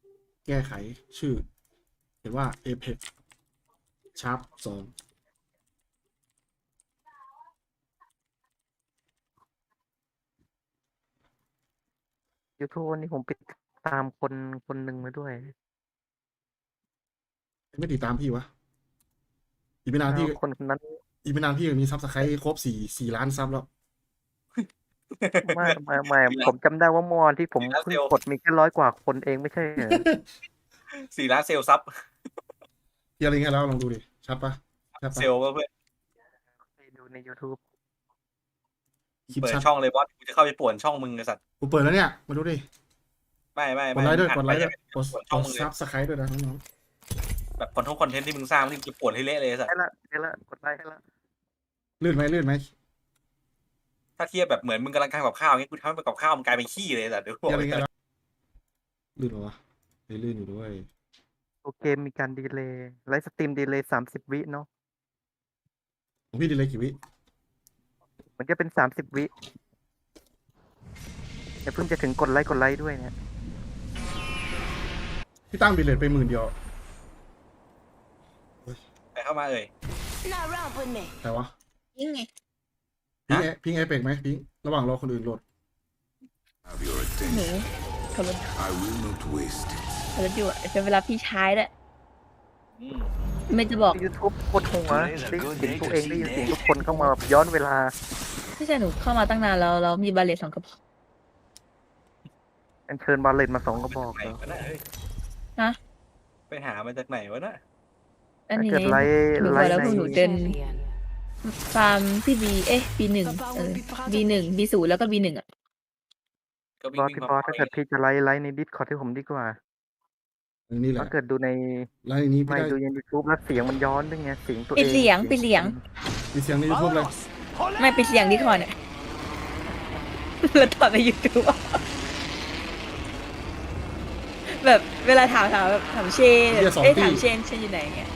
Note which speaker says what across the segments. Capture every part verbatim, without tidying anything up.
Speaker 1: แก้ไขชื่อเห็นว่า Apex Sharp สอง
Speaker 2: ยูทูบวันนี้ผมไปตามคนคนหนึ่งมาด้วย
Speaker 1: ไม่ติดตามพี่วะอีกไม่นานพี่
Speaker 2: คนคนนั้น
Speaker 1: อีกไม่นานพี่มีซับสไครต์ครบสี่สี่ล้านซับแล้ว
Speaker 2: ไม่ไม่ไม่ผมจำได้ว่าเมื่อวานที่ผมเพิ่งกดมีแค่ร้อยกว่าคนเองไม่ใช่เหรอ
Speaker 3: สี่ล้านเซลล์ซับ
Speaker 1: เฮียอะไรเงี้ยแล้วลองดูดิชัดปะชัด
Speaker 3: เซ
Speaker 1: ปะ
Speaker 3: ลล์ก็เพื่อน
Speaker 2: ไปดูใน YouTube
Speaker 1: คลิป
Speaker 3: เปิด
Speaker 1: ชัด
Speaker 3: ช่องเลยบอสกูจะเข้าไปป่วนช่องมึงไอ้สัตว์
Speaker 1: กูเปิดแล้วเนี่ยมาดูดิ
Speaker 3: ไม่ไม่
Speaker 1: ก
Speaker 3: ไม่
Speaker 1: ดไลค์ด้วย
Speaker 3: อั
Speaker 1: กดไลค์ด้วย
Speaker 3: ป
Speaker 1: กด
Speaker 3: ป่วน
Speaker 1: ก
Speaker 3: ช่อง
Speaker 1: ด
Speaker 3: มึงเล
Speaker 1: ซั
Speaker 3: ย
Speaker 1: บสไครต์ด้วยนะน้อง
Speaker 3: แบบคอนเทนต์คอนเทนต์ที่มึงสร้างที่จะป่วนให้เละเลยไอ้สัตว์
Speaker 2: ได้ละได้ละกดไลค์ให้ละ
Speaker 1: ๆลื่นไหมลื่นไหม
Speaker 3: ถ้าเทียบแบบเหมือนมึงกำลังทำกับข้าวเงี้ยกูทำให้กับข้าวมันกลายเป็นขี้เลยไอ้สัตว์เดี๋ยว
Speaker 1: เฮียอะไรเงี้ยแล้วลื่นเหรอวะเฮ้ยลื่นอยู่ด้วย
Speaker 2: โอเคมีการดีเลย์ไลฟ์สตรีมดีเลย์สามสิบวิเนาะ
Speaker 1: ของพี่ดีเลยกี่วิ
Speaker 2: มันจะเป็นสามสิบวิแต่เพิ่งจะถึงกดไลค์กดไลค์ด้วยเนี่ย
Speaker 1: พี่ตั้งดีเลยไปหมื่นเดียว
Speaker 3: ไปเข้ามาเอ่ย
Speaker 4: Not round with me.
Speaker 1: แต่วะ
Speaker 4: ยังไง
Speaker 1: พิงเอพิงเอเปกไหมพิงระหว่างรอคนอื่นโหลด
Speaker 5: Have your
Speaker 4: หนู
Speaker 5: attention.
Speaker 4: ขับรถ
Speaker 5: I will not waste it.
Speaker 4: ขับรถอยู่อะเป็นเวลาพี่ใช้แหละ
Speaker 3: อืม
Speaker 4: ไม่จะบอก
Speaker 2: ยูทูบกดหัวได้ยินเสียงตัวเองได้ยินเสียงทุกคนเข้ามาแบบย้อนเวลา
Speaker 4: ไม่ใช่หนูเข้ามาตั้งนานแล้วแล้วมีบาเลตสองกระบอก
Speaker 2: อันเชิญบาเลนมาสองกระบอก
Speaker 3: ไหน
Speaker 2: เหรอ
Speaker 3: วะน่ะเฮ้ย
Speaker 4: ฮะ
Speaker 3: ไปหามาจากไหนวะน่ะ
Speaker 4: อัน
Speaker 2: ถ้า
Speaker 4: นี้
Speaker 2: เกิดไลค์
Speaker 4: หนู
Speaker 2: ไล
Speaker 4: บอก
Speaker 2: ค์
Speaker 4: แล้ว
Speaker 2: ใน
Speaker 4: พวกหนูเดินฟาร์มที่บีเอ๊ะบีหนึ่งเออบีหนึ่งบีศูนย์แล้วก็บีหนึ่งอ่ะ
Speaker 3: ก็วิ่
Speaker 2: บ
Speaker 3: ง
Speaker 2: อส
Speaker 3: วิ่ง
Speaker 2: พี่
Speaker 3: มา
Speaker 2: บอสถ้าเกิดพี่จะไลค์ไลค์ในดิสคอร์ดที่ผมดีกว่า
Speaker 1: นี่แหละ
Speaker 2: ถ้าเกิดดูใน
Speaker 1: แล้วอันนี้พี่
Speaker 2: ไม่
Speaker 1: ได้
Speaker 2: ดูในยูทูบแล้วเสียงมันย้อนด้วยไงเสียงตัวเอง
Speaker 4: ปิดเสียงปิดเสียง
Speaker 1: มีเสียงในยูทูบเลย
Speaker 4: ไม่ปิดเสียงดีคอนอ่ะ แล้วถอดไปยูทูบแบบเวลาถามถามแบบถามเชน
Speaker 1: เหี้ยสอง
Speaker 4: เอ้ย
Speaker 1: ที่
Speaker 4: ถามเชนเชนอยู่ไหนเงี้ย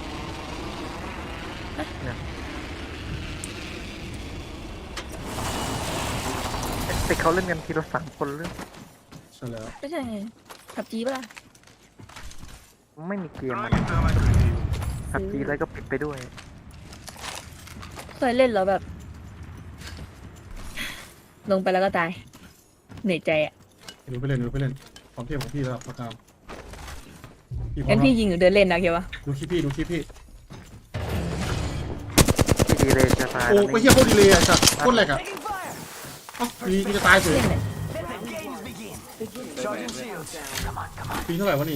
Speaker 2: แต่เขาเล่นกันทีละสามคนเรื่อง
Speaker 1: ใช่แล้ว
Speaker 4: ไม่ใช่ไงขับจีปะล่ะ
Speaker 2: ไม่มีเกมมันขับจีแล้วก็ปิดไปด้วย
Speaker 4: เคยเล่นแล้วแบบ ลงไปแล้วก็ตายเหนื่อยใจอ่ะ
Speaker 1: ดูไปเล่นดูไปเล่นความเทพของพี่แล้วประกามพี่พร้อ
Speaker 4: งั้
Speaker 1: ม
Speaker 4: น
Speaker 1: แล้
Speaker 4: พี่
Speaker 1: ว
Speaker 4: ยิงหรือเดินเล่นนะเกียววะ
Speaker 1: ดูคลิปพี่ดูคลิปพี่
Speaker 2: ที่ดีเลยจะตาย
Speaker 1: โอ้
Speaker 2: แล้ว
Speaker 1: ไปเฮียโคตรดีเลยอ่ะสัตว์โคตรแหลกอ่ะเอ้าปีนี้จะตายเฉย
Speaker 4: เล่นเลย
Speaker 1: ปีเท่าไหร่วะนี่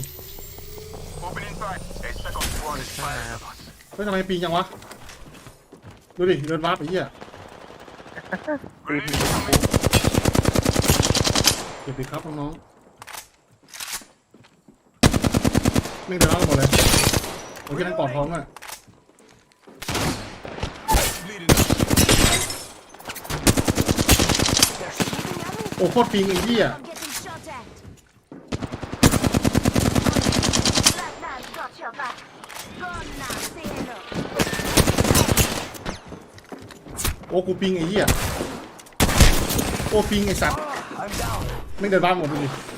Speaker 1: เฮ้ยทำไมปีจังวะดูดิเดินวาร์ปไปเฮีย
Speaker 2: ตีพี
Speaker 1: เก็บไปครับน้องๆไม่เดินเอาหมดเลยโอเคนั่นกอดท้องอ่ะโอ้โคตรปิงไอ้เหี้ย
Speaker 4: I'm getting shot at. Black man got your back. Gone now, say hello.
Speaker 1: โอ้กูปิงไอ้เหี้ยโอ้ปิงไอ้สัตว์ไม่เดินบ้านหมดเลย